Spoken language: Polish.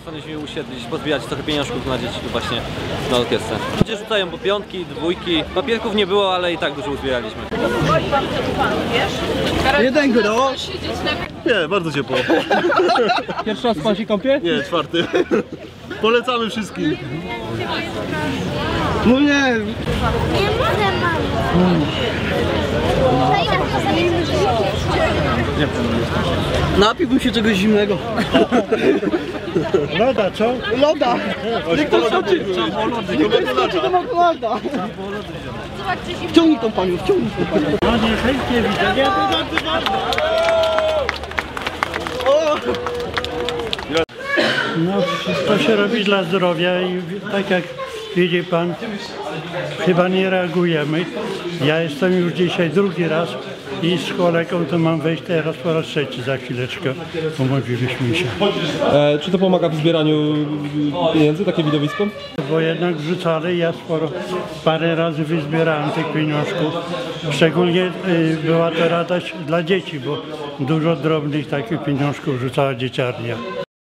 postanowiliśmy usiedlić, pozbierać trochę pieniążków na dzieci właśnie na orkiestrę. Ludzie rzucają po piątki, dwójki, papierków nie było, ale i tak dużo uzbieraliśmy. Jeden grosz. Nie, bardzo ciepło. Pierwszy raz pan się kąpie? Nie, czwarty. Polecamy wszystkim. No nie. Nie mogę, mamo. Napiłbym się czegoś zimnego. Loda, co? Loda. Loda. Wciągnij tą panią, wciągnij tą panią. No niechętnie widzę. Nie, No, to się robi dla zdrowia i tak jak widzi pan, chyba nie reagujemy. Ja jestem już dzisiaj drugi raz i z kolegą to mam wejść teraz po raz trzeci za chwileczkę. Umówiliśmy się. Czy to pomaga w zbieraniu pieniędzy, takie widowisko? Bo jednak wrzucali, ja parę razy wyzbierałem tych pieniążków. Szczególnie była to radość dla dzieci, bo dużo drobnych takich pieniążków rzucała dzieciarnia.